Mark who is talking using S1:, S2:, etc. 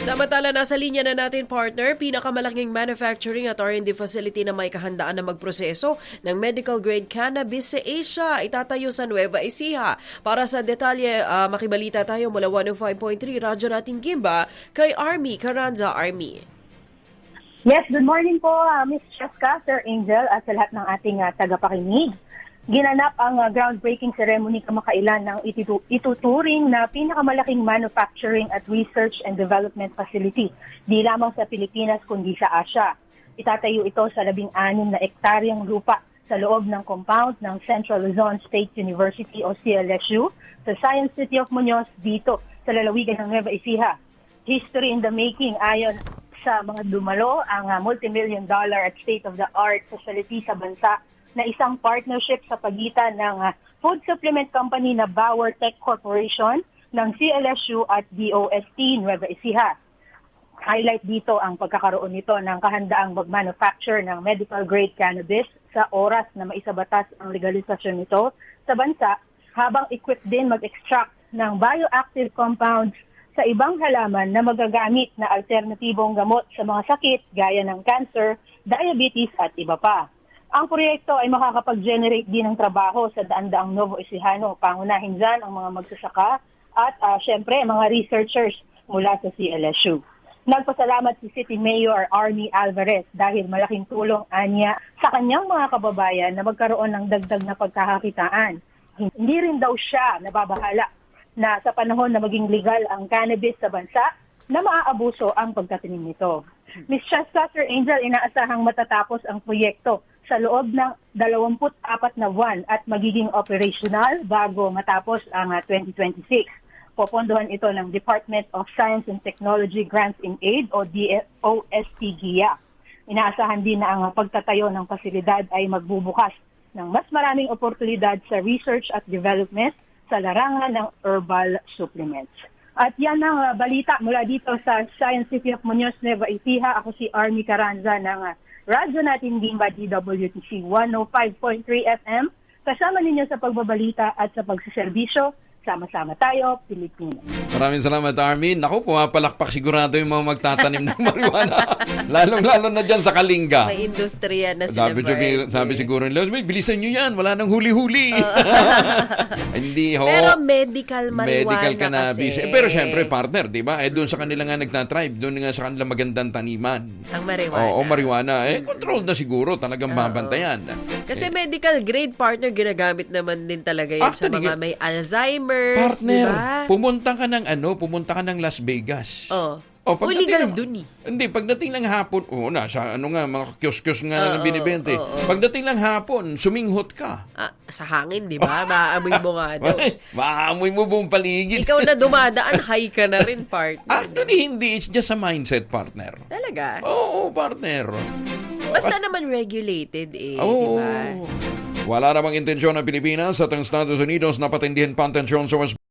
S1: Samantala, nasa linya na natin, partner, pinakamalaking manufacturing at R&D facility na may kahandaan na magproseso ng medical-grade cannabis sa Asia. Itatayo sa Nueva Ecija. Para sa detalye, makibalita tayo mula 105.3 Radyo nating Gimba kay Army Carranza. Army.
S2: Yes, good morning po, Ms. Cheska, Sir Angel, at sa lahat ng ating tagapakinig. Ginanap ang groundbreaking ceremony kamakailan ng ituturing na pinakamalaking manufacturing at research and development facility, di lamang sa Pilipinas kundi sa Asia. Itatayo ito sa 16 na ektaryang lupa sa loob ng compound ng Central Luzon State University o CLSU sa Science City of Muñoz dito sa lalawigan ng Nueva Ecija. History in the making ayon sa mga dumalo ang multi-million-dollar at state-of-the-art facility sa bansa na isang partnership sa pagitan ng food supplement company na Bauer Tech Corporation ng CLSU at DOST Nueva Ecija. Highlight dito ang pagkakaroon nito ng kahandaang mag-manufacture ng medical-grade cannabis sa oras na maisabatas ang legalisasyon nito sa bansa, habang equipped din mag-extract ng bioactive compounds sa ibang halaman na magagamit na alternatibong gamot sa mga sakit gaya ng cancer, diabetes at iba pa. Ang proyekto ay makakapag-generate din ng trabaho sa daan-daang Novo Ecijano, pangunahin dyan ang mga magsasaka at syempre mga researchers mula sa CLSU. Nagpasalamat si City Mayor Army Alvarez dahil malaking tulong anya sa kanyang mga kababayan na magkaroon ng dagdag na pagkakakitaan. Hindi rin daw siya nababahala na sa panahon na maging legal ang cannabis sa bansa na maaabuso ang pagtatanim nito. Ms. Cheska, Sir Angel, inaasahang matatapos ang proyekto sa loob ng 24 na buwan at magiging operational bago matapos ang 2026. Popondohan ito ng Department of Science and Technology Grants in Aid o DOST-GIA. Inaasahan din na ang pagtatayo ng pasilidad ay magbubukas ng mas maraming oportunidad sa research at development sa larangan ng herbal supplements. At yan ang balita mula dito sa Science City of Muñoz, Nueva Ecija. Ako si Army Carranza ng Radyo natin Gimba DWTC 105.3 FM. Kasama ninyo sa pagbabalita at sa pagsiservisyo. Sama-sama tayo, Pilipinas.
S3: Maraming salamat, Armin. Naku, pumapalakpak sigurado yung mga magtatanim ng marijuana. Lalong-lalo na dyan sa Kalinga.
S1: May industriya na sila.
S3: Sabi siguro nila, bilisan nyo yan, wala nang huli-huli. Hindi ho.
S1: Pero medical marijuana
S3: medical cannabis.
S1: kasi.
S3: Pero syempre, partner, di ba? Doon sa kanila nga nagtatribe, doon nga sa kanila magandang taniman.
S1: Ang marijuana.
S3: Oo, marijuana. Controlled na siguro, talagang babantayan.
S1: Kasi medical grade, partner, ginagamit naman din talaga yun sa mga may Alzheimer.
S3: Partner,
S1: diba?
S3: pumunta ka ng Las Vegas.
S1: Oh.
S3: Pagdating
S1: legal dun eh.
S3: Hindi, pagdating ng hapon, nasa mga kiosk-kiosk nga na binibente. Pagdating ng hapon, suminghot ka.
S1: Sa hangin, di ba? Maamoy mo nga daw.
S3: Maamoy mo buong paligid.
S1: Ikaw na dumadaan, high ka na rin, partner.
S3: Actually, hindi. It's just a mindset, partner.
S1: Talaga?
S3: Oo, partner.
S1: Basta naman regulated di ba?
S3: Wala namang intensyon ng Pilipinas at ang Estados Unidos na patindihin pa ang tensyon sa West